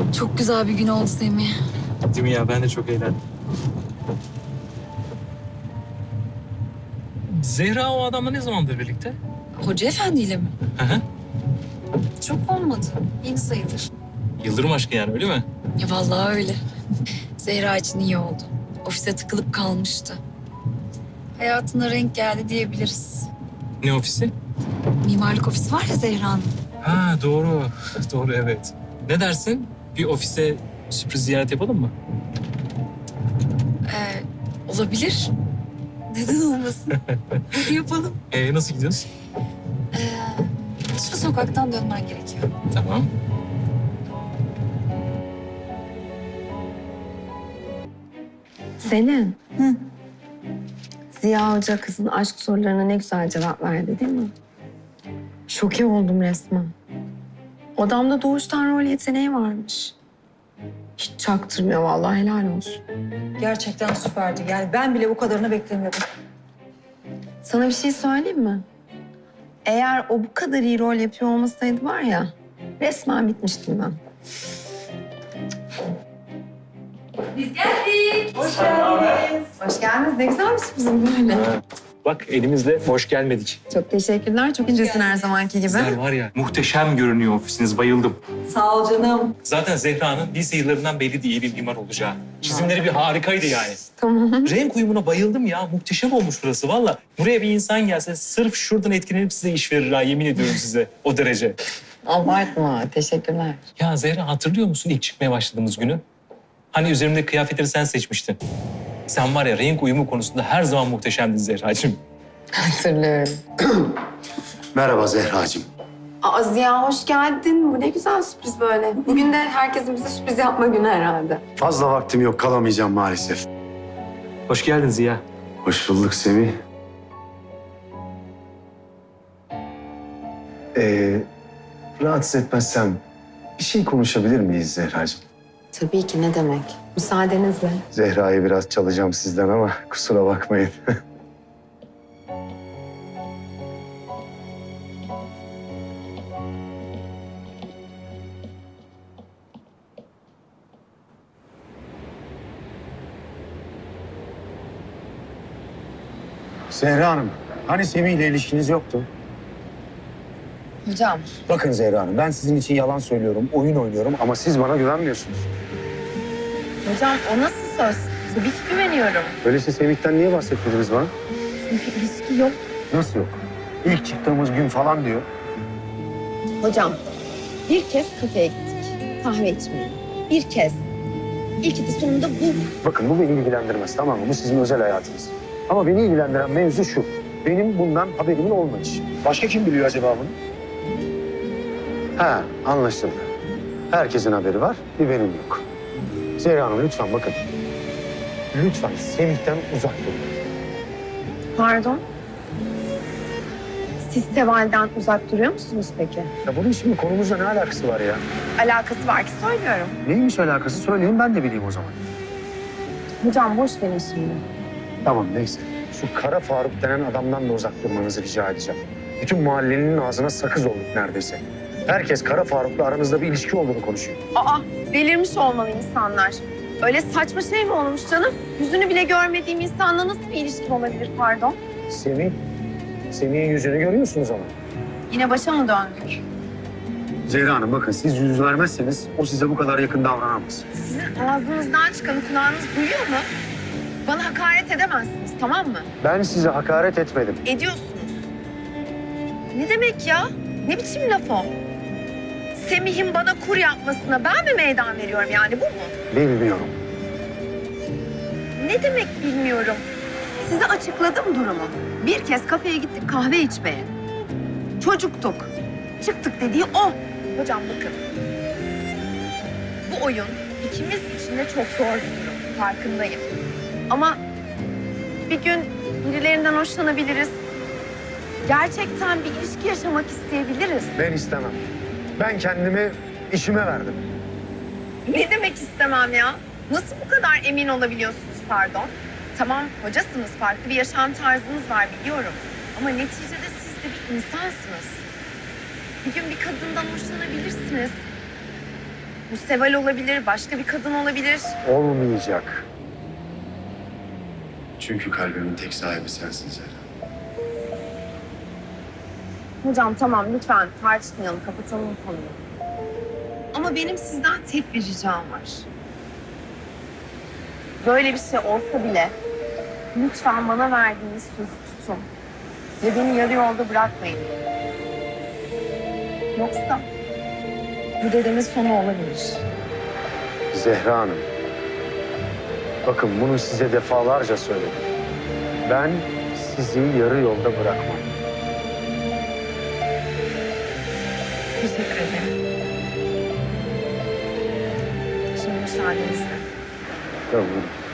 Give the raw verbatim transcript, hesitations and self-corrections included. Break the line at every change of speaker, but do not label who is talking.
Çok güzel bir gün oldu Semih.
Değil mi ya? Ben de çok eğlendim. Zehra o adamla ne zamandır birlikte?
Hoca efendiyle mi?
Hı hı.
Çok olmadı. Yeni sayılır.
Yıldırım aşkı yani, öyle mi?
Ya vallahi öyle. Zehra için iyi oldu. Ofise tıkılıp kalmıştı. Hayatına renk geldi diyebiliriz.
Ne ofisi?
Mimarlık ofisi var ya Zehra'nın.
Ha doğru. Doğru, evet. Ne dersin? Bir ofise sürpriz ziyaret yapalım mı?
Ee, olabilir. Neden olmasın? Hadi yapalım.
Ee, nasıl gidiyoruz?
Ee, şu sokaktan dönmen gerekiyor.
Tamam.
Selin. Hı. Ziya Hoca kızın aşk sorularına ne güzel cevap verdi değil mi? Şoke oldum resmen. Adamda doğuştan rol yeteneği varmış. Hiç çaktırmıyor vallahi, helal olsun.
Gerçekten süperdi. Yani ben bile bu kadarını beklemiyordum.
Sana bir şey söyleyeyim mi? Eğer o bu kadar iyi rol yapıyor olmasaydı var ya, resmen bitmiştim ben.
Hoş geldiniz.
Hoş geldiniz. Ne güzel bir sürprizim böyle.
Bak elimizle boş gelmedik.
Çok teşekkürler. Çok incesin her zamanki gibi.
Güzel var ya. Muhteşem görünüyor ofisiniz. Bayıldım.
Sağ ol canım.
Zaten Zehra'nın lise yıllarından belli iyi bir mimar olacağı. Çizimleri bir harikaydı yani.
Tamam.
Renk uyumuna bayıldım ya. Muhteşem olmuş burası valla. Buraya bir insan gelse sırf şuradan etkilenip size iş verir ha. Yemin ediyorum size. O derece.
Abartma. Teşekkürler.
Ya Zehra, hatırlıyor musun ilk çıkmaya başladığımız günü? Hani üzerimdeki kıyafetleri sen seçmiştin. Sen var ya, renk uyumu konusunda her zaman muhteşemdin Zehracığım.
Hatırlıyorum.
Merhaba Zehracığım.
Aa, Ziya hoş geldin. Bu ne güzel sürpriz böyle. Bugün de herkesin bize sürpriz yapma günü herhalde.
Fazla vaktim yok, kalamayacağım maalesef.
Hoş geldin Ziya.
Hoş bulduk Semih. Ee, rahatsız etmezsem bir şey konuşabilir miyiz Zehracığım?
Tabii ki, ne demek. Müsaadenizle.
Zehra'yı biraz çalacağım sizden ama kusura bakmayın. Zehra Hanım, hani Semih ile ilişkiniz yoktu?
Hocam.
Bakın Zehra Hanım, ben sizin için yalan söylüyorum, oyun oynuyorum ama siz bana güvenmiyorsunuz.
Hocam o nasıl söz? Tabii ki güveniyorum.
Öyleyse Semih'ten niye bahsetmediniz bana?
Çünkü ilişki yok.
Nasıl yok? İlk çıktığımız gün falan diyor.
Hocam bir kez kafeye gittik. Kahve içmeye. Bir kez. İlk de sonunda bu.
Bakın bu beni ilgilendirmez, tamam mı? Bu sizin özel hayatınız. Ama beni ilgilendiren mevzu şu. Benim bundan haberimin olmayışı. Başka kim biliyor acaba bunu? Ha, anlaşıldı. Herkesin haberi var, bir benim yok. Zehra Hanım lütfen bakın. Lütfen Semih'ten uzak durun.
Pardon? Siz Seval'den uzak duruyor musunuz peki?
Ya bunun şimdi konumuzla ne alakası var ya?
Alakası var ki söylüyorum.
Neymiş alakası söyleyin ben de bileyim o zaman.
Hocam boş verin şimdi.
Tamam neyse. Şu Kara Faruk denen adamdan da uzak durmanızı rica edeceğim. Bütün mahallenin ağzına sakız olduk neredeyse. Herkes Kara Faruk'la aranızda bir ilişki olduğunu konuşuyor.
Aa, delirmiş olmalı insanlar. Öyle saçma şey mi olmuş canım? Yüzünü bile görmediğim insanla nasıl bir ilişkim olabilir pardon?
Semih, Semih'in yüzünü görüyorsunuz ama.
Yine başa mı döndük?
Zehra Hanım bakın siz yüz vermezseniz o size bu kadar yakın davranamaz.
Sizin ağzınızdan çıkanı kulağınız duyuyor mu? Bana hakaret edemezsiniz, tamam mı?
Ben size hakaret etmedim.
Ediyorsunuz. Ne demek ya? Ne biçim laf o? Semih'in bana kur yapmasına ben mi meydan veriyorum yani, bu mu?
Bilmiyorum.
Ne demek bilmiyorum. Size açıkladım durumu. Bir kez kafeye gittik kahve içmeye. Çocuktuk. Çıktık dediği o. Hocam bakın. Bu oyun ikimiz için de çok zor bir durum. Farkındayım. Ama bir gün birilerinden hoşlanabiliriz. Gerçekten bir ilişki yaşamak isteyebiliriz.
Ben istemem. Ben kendimi işime verdim.
Ne demek istemem ya? Nasıl bu kadar emin olabiliyorsunuz pardon? Tamam hocasınız, farklı bir yaşam tarzınız var biliyorum. Ama neticede siz de bir insansınız. Bir gün bir kadından hoşlanabilirsiniz. Bu Seval olabilir, başka bir kadın olabilir.
Olmayacak. Çünkü kalbimin tek sahibi sensin Zehra.
Hocam tamam lütfen tartışmayalım, kapatalım bu konuyu. Ama benim sizden tek bir ricam var. Böyle bir şey olsa bile lütfen bana verdiğiniz sözü tutun. Ve beni yarı yolda bırakmayın. Yoksa bu dedemin sonu olabilir.
Zehra Hanım. Bakın bunu size defalarca söyledim. Ben sizi yarı yolda bırakmam.
Teşekkür ederim. Şimdi müsaadenizle.
Tamam.